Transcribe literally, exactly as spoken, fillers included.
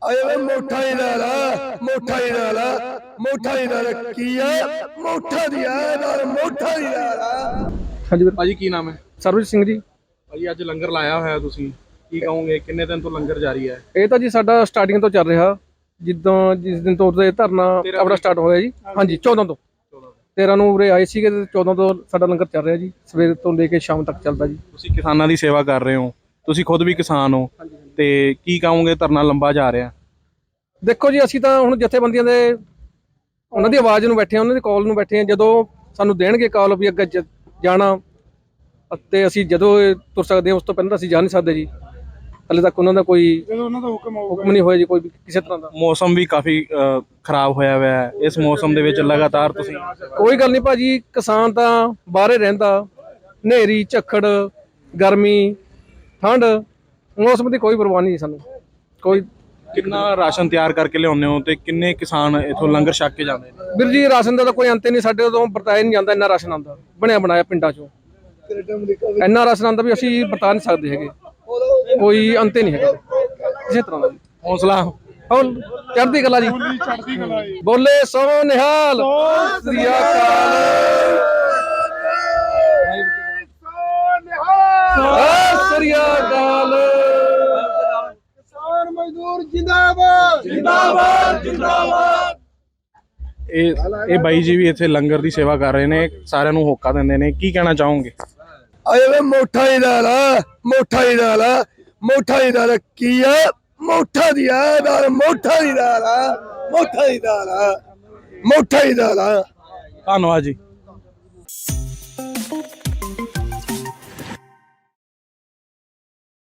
ਅਜੇ ਵੇ ਮੋਠਾ ਹੀ ਨਾਲ ਮੋਠਾ ਹੀ ਨਾਲ ਮੋਠਾ ਹੀ ਨਾਲ ਕੀ ਆ ਮੋਠਾ ਦੀ ਆ ਨਾਲ ਮੋਠਾ ਦੀ ਨਾਲ। ਹਾਂਜੀ ਵੀਰ। ਭਾਜੀ ਕੀ ਨਾਮ ਹੈ? ਸਰਬਜੀਤ ਸਿੰਘ ਜੀ। ਭਾਜੀ ਅੱਜ ਲੰਗਰ ਲਾਇਆ ਹੋਇਆ ਤੁਸੀਂ, ਕੀ ਕਹੋਗੇ? ਕਿੰਨੇ ਦਿਨ ਤੋਂ ਲੰਗਰ ਜਾਰੀ ਹੈ? ਇਹ ਤਾਂ ਜੀ ਸਾਡਾ ਸਟਾਰਟਿੰਗ ਤੋਂ ਚੱਲ ਰਿਹਾ, ਜਿੱਦਾਂ ਜਿਸ ਦਿਨ ਤੋਂ ਉਰੇ ਧਰਨਾ ਆਪਣਾ ਸਟਾਰਟ ਹੋਇਆ ਜੀ। ਹਾਂਜੀ ਚੌਦਾਂ ਤੋਂ ਤੇਰਾਂ ਨੂੰ ਉਰੇ ਆਏ ਸੀਗੇ ਤੇ ਚੌਦਾਂ ਤੋਂ ਸਾਡਾ ਲੰਗਰ ਚੱਲ ਰਿਹਾ ਜੀ, ਸਵੇਰ ਤੋਂ ਲੈ ਕੇ ਸ਼ਾਮ ਤੱਕ ਚੱਲਦਾ ਜੀ। ਤੁਸੀਂ ਕਿਸਾਨਾਂ ਦੀ ਸੇਵਾ ਕਰ ਰਹੇ ਹੋ, ਤੁਸੀਂ ਖੁਦ ਵੀ ਕਿਸਾਨ ਹੋ, ਤੇ ਕੀ ਕਹੋਗੇ? ਧਰਨਾ ਲੰਬਾ ਜਾ ਰਿਹਾ। ਦੇਖੋ ਜੀ ਅਸੀਂ ਤਾਂ ਹੁਣ ਜਥੇਬੰਦੀਆਂ ਦੇ ਉਹਨਾਂ ਦੀ ਆਵਾਜ਼ ਨੂੰ ਬੈਠੇ ਹਾਂ, ਉਹਨਾਂ ਦੀ ਕਾਲ ਨੂੰ ਬੈਠੇ ਹਾਂ। ਜਦੋਂ ਸਾਨੂੰ ਦੇਣਗੇ ਕਾਲ ਵੀ ਅੱਗੇ ਜਾਣਾ ਅਤੇ ਅਸੀਂ ਜਦੋਂ ਤੁਰ ਸਕਦੇ ਹਾਂ, ਉਸ ਤੋਂ ਪਹਿਲਾਂ ਅਸੀਂ ਜਾ ਨਹੀਂ ਸਕਦੇ ਜੀ। ਹਾਲੇ ਤੱਕ ਉਹਨਾਂ ਦਾ ਕੋਈ ਉਹਨਾਂ ਦਾ ਹੁਕਮ ਹੁਕਮ ਨਹੀਂ ਹੋਇਆ ਜੀ ਕੋਈ ਵੀ ਕਿਸੇ ਤਰ੍ਹਾਂ ਦਾ। ਮੌਸਮ ਵੀ ਕਾਫੀ ਖਰਾਬ ਹੋਇਆ ਹੋਇਆ ਹੈ, ਇਸ ਮੌਸਮ ਦੇ ਵਿੱਚ ਲਗਾਤਾਰ ਤੁਸੀਂ। ਕੋਈ ਗੱਲ ਨਹੀਂ ਭਾਜੀ, ਕਿਸਾਨ ਤਾਂ ਬਾਹਰੇ ਰਹਿੰਦਾ, ਹਨੇਰੀ ਝੱਖੜ ਗਰਮੀ ਠੰਡ ਮੌਸਮ ਦੀ ਕੋਈ ਪਰਵਾਹ ਨਹੀਂ ਸਾਨੂੰ। ਕੋਈ ਕਿੰਨਾ ਰਾਸ਼ਨ ਤਿਆਰ ਕਰਕੇ ਲਿਆਉਂਦੇ ਹੋ ਤੇ ਕਿੰਨੇ ਕਿਸਾਨ ਇੱਥੋਂ ਲੰਗਰ ਛਕ ਕੇ ਜਾਂਦੇ ਨੇ? ਵੀਰ ਜੀ ਰਾਸ਼ਨ ਦਾ ਤਾਂ ਕੋਈ ਅੰਤ ਨਹੀਂ, ਸਾਡੇ ਤੋਂ ਵਰਤਾਇਆ ਨਹੀਂ ਜਾਂਦਾ। ਇੰਨਾ ਰਾਸ਼ਨ ਆਉਂਦਾ ਬਣਿਆ ਬਣਾਇਆ ਪਿੰਡਾਂ ਚੋਂ, ਇੰਨਾ ਰਾਸ਼ਨ ਆਉਂਦਾ ਵੀ ਅਸੀਂ ਵਰਤਾ ਨਹੀਂ ਸਕਦੇ ਹੈਗੇ, ਕੋਈ ਅੰਤ ਹੀ ਨਹੀਂ ਹੈਗਾ ਕਿਸੇ ਤਰ੍ਹਾਂ ਦਾ। ਹੌਸਲਾ ਹੁਣ ਚੜ੍ਹਦੀ ਕਲਾ ਜੀ, ਬੋਲੇ ਸੋ ਨਿਹਾਲ ਸ੍ਰੀ ਅਕਾਲ। ਸ੍ਰੀ ਅਕਾਲ। ਕਿਸਾਨ ਮਜ਼ਦੂਰ ਜਿੰਦਾਬਾਦ ਜਿੰਦਾਬਾਦ ਜਿੰਦਾਬਾਦ। ਇਹ ਇਹ ਬਾਈ ਜੀ ਵੀ ਇੱਥੇ ਲੰਗਰ ਦੀ ਸੇਵਾ ਕਰ ਰਹੇ ਨੇ, ਸਾਰਿਆਂ ਨੂੰ ਹੋਕਾ ਦਿੰਦੇ ਨੇ, ਕੀ ਕਹਿਣਾ ਚਾਹੋਗੇ? ਅਜੇ ਵੇ ਮੋਠਾ ਹੀ ਨਾਲ ਮੋਠਾ ਹੀ ਨਾਲ ਮੋਠਾ ਹੀ ਨਾਲ ਕੀ ਆ ਮੋਠਾ ਦੀ ਆ ਨਾਲ ਮੋਠਾ ਦੀ ਨਾਲ ਮੋਠਾ ਦੀ ਨਾਲ ਮੋਠਾ ਹੀ ਨਾਲ। ਧੰਨਵਾਦ ਜੀ।